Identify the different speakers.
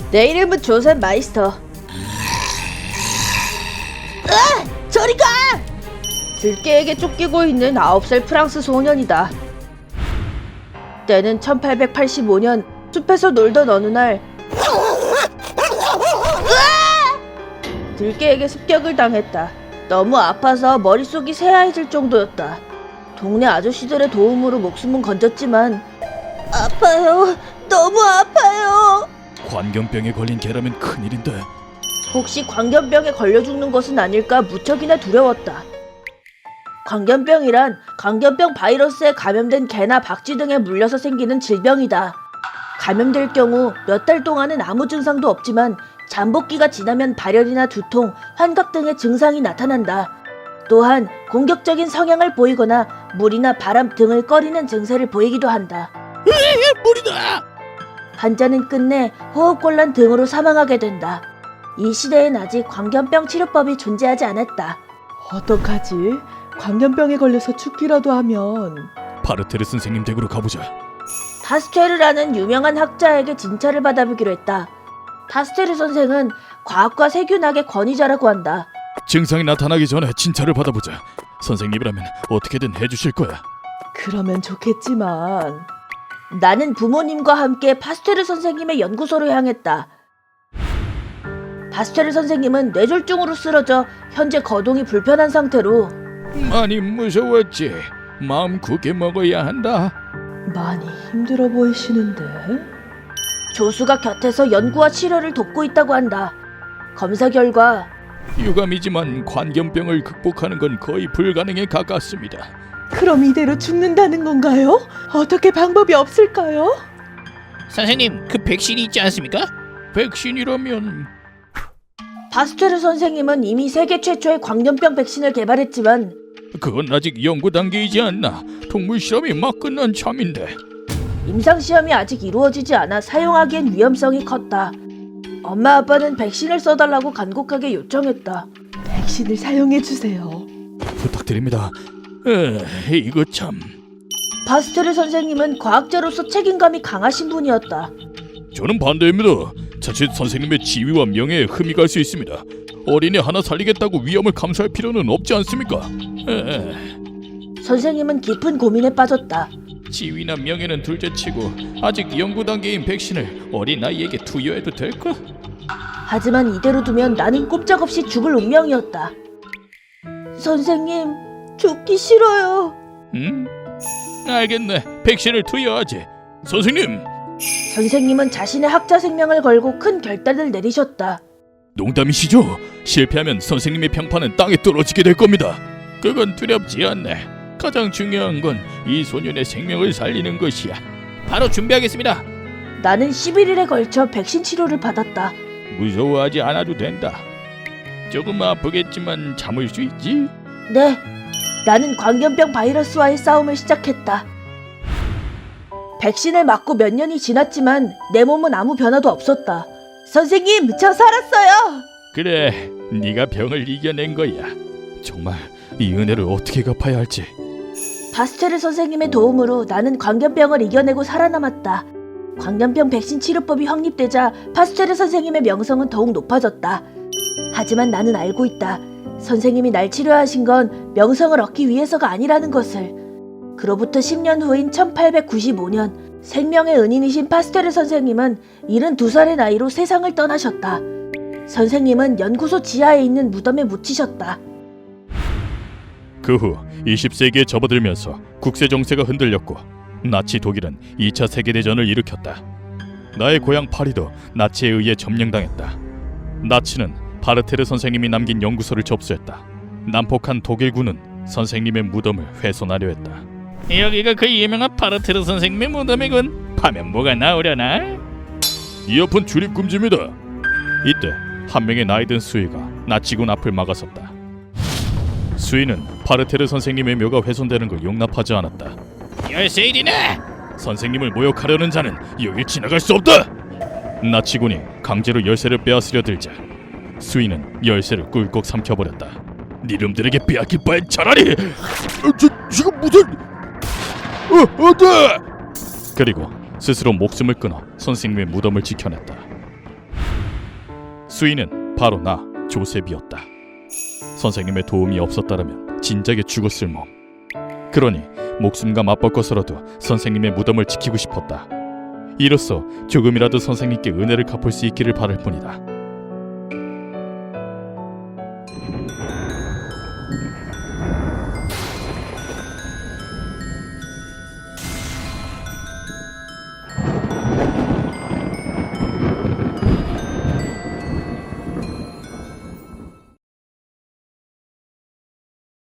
Speaker 1: 내 이름은 조셉 마이스터. 저리 가! 들깨에게 쫓기고 있는 9살 프랑스 소년이다. 때는 1885년 숲에서 놀던 어느 날 들깨에게 습격을 당했다. 너무 아파서 머릿속이 새하얘질 정도였다. 동네 아저씨들의 도움으로 목숨은 건졌지만 아파요. 너무 아파요.
Speaker 2: 광견병에 걸린 개라면 큰일인데.
Speaker 1: 혹시 광견병에 걸려 죽는 것은 아닐까 무척이나 두려웠다. 광견병이란 광견병 바이러스에 감염된 개나 박쥐 등에 물려서 생기는 질병이다. 감염될 경우 몇 달 동안은 아무 증상도 없지만 잠복기가 지나면 발열이나 두통, 환각 등의 증상이 나타난다. 또한 공격적인 성향을 보이거나 물이나 바람 등을 꺼리는 증세를 보이기도 한다.
Speaker 2: 물이다!
Speaker 1: 환자는 끝내 호흡곤란 등으로 사망하게 된다. 이 시대엔 아직 광견병 치료법이 존재하지 않았다.
Speaker 3: 어떡하지? 광견병에 걸려서 죽기라도 하면.
Speaker 2: 파르테르 선생님 댁으로 가보자.
Speaker 1: 파스테르라는 유명한 학자에게 진찰을 받아보기로 했다. 파스테르 선생은 과학과 세균학의 권위자라고 한다.
Speaker 2: 증상이 나타나기 전에 진찰을 받아보자. 선생님이라면 어떻게든 해주실 거야.
Speaker 3: 그러면 좋겠지만.
Speaker 1: 나는 부모님과 함께 파스테르 선생님의 연구소로 향했다. 파스테르 선생님은 뇌졸중으로 쓰러져 현재 거동이 불편한 상태로
Speaker 2: 많이 무서웠지. 마음 굳게 먹어야 한다.
Speaker 3: 많이 힘들어 보이시는데?
Speaker 1: 조수가 곁에서 연구와 치료를 돕고 있다고 한다. 검사 결과
Speaker 2: 유감이지만 관견병을 극복하는 건 거의 불가능에 가깝습니다.
Speaker 3: 그럼 이대로 죽는다는 건가요? 어떻게 방법이 없을까요?
Speaker 4: 선생님, 그 백신이 있지 않습니까?
Speaker 2: 백신이라면
Speaker 1: 파스테르 선생님은 이미 세계 최초의 광견병 백신을 개발했지만
Speaker 2: 그건 아직 연구 단계이지 않나. 동물 실험이 막 끝난 참인데.
Speaker 1: 임상시험이 아직 이루어지지 않아 사용하기엔 위험성이 컸다. 엄마 아빠는 백신을 써달라고 간곡하게 요청했다.
Speaker 3: 백신을 사용해주세요.
Speaker 2: 부탁드립니다. 이거 참.
Speaker 1: 파스테르 선생님은 과학자로서 책임감이 강하신 분이었다.
Speaker 2: 저는 반대입니다. 자칫 선생님의 지위와 명예에 흠이 갈 수 있습니다. 어린이 하나 살리겠다고 위험을 감수할 필요는 없지 않습니까?
Speaker 1: 선생님은 깊은 고민에 빠졌다.
Speaker 2: 지위나 명예는 둘째치고 아직 연구 단계인 백신을 어린 아이에게 투여해도 될까?
Speaker 1: 하지만 이대로 두면 나는 꼼짝없이 죽을 운명이었다. 선생님, 죽기 싫어요.
Speaker 2: 응? 알겠네. 백신을 투여하지. 선생님!
Speaker 1: 선생님은 자신의 학자 생명을 걸고 큰 결단을 내리셨다.
Speaker 2: 농담이시죠? 실패하면 선생님의 평판은 땅에 떨어지게 될 겁니다. 그건 두렵지 않네. 가장 중요한 건 이 소년의 생명을 살리는 것이야.
Speaker 4: 바로 준비하겠습니다.
Speaker 1: 나는 11일에 걸쳐 백신 치료를 받았다.
Speaker 2: 무서워하지 않아도 된다. 조금 아프겠지만 참을 수 있지?
Speaker 1: 네, 나는 광견병 바이러스와의 싸움을 시작했다. 백신을 맞고 몇 년이 지났지만 내 몸은 아무 변화도 없었다. 선생님, 저 살았어요!
Speaker 2: 그래, 네가 병을 이겨낸 거야. 정말 이 은혜를 어떻게 갚아야 할지.
Speaker 1: 파스테르 선생님의 도움으로 나는 광견병을 이겨내고 살아남았다. 광견병 백신 치료법이 확립되자 파스테르 선생님의 명성은 더욱 높아졌다. 하지만 나는 알고 있다. 선생님이 날 치료하신 건 명성을 얻기 위해서가 아니라는 것을. 그로부터 10년 후인 1895년 생명의 은인이신 파스테르 선생님은 72살의 나이로 세상을 떠나셨다. 선생님은 연구소 지하에 있는 무덤에 묻히셨다.
Speaker 2: 그 후 20세기에 접어들면서 국세 정세가 흔들렸고 나치 독일은 2차 세계대전을 일으켰다. 나의 고향 파리도 나치에 의해 점령당했다. 나치는 파르테르 선생님이 남긴 연구소를 접수했다. 난폭한 독일군은 선생님의 무덤을 훼손하려 했다.
Speaker 4: 여기가 그 유명한 파르테르 선생님의 무덤이군. 파면 뭐가 나오려나?
Speaker 2: 이어폰 출입 금지입니다. 이때 한 명의 나이든 수위가 나치군 앞을 막아섰다. 수위는 파르테르 선생님의 묘가 훼손되는 걸 용납하지 않았다.
Speaker 4: 열세일이네.
Speaker 2: 선생님을 모욕하려는 자는 여길 지나갈 수 없다. 나치군이 강제로 열쇠를 빼앗으려 들자 수위는 열쇠를 꿀꺽 삼켜버렸다. 니름들에게 빼앗길 바엔 차라리 지금 무슨 안돼! 그리고 스스로 목숨을 끊어 선생님의 무덤을 지켜냈다. 수인은 바로 나 조셉이었다. 선생님의 도움이 없었다라면 진작에 죽었을 몸. 그러니 목숨과 맞바꿔서라도 선생님의 무덤을 지키고 싶었다. 이로써 조금이라도 선생님께 은혜를 갚을 수 있기를 바랄 뿐이다.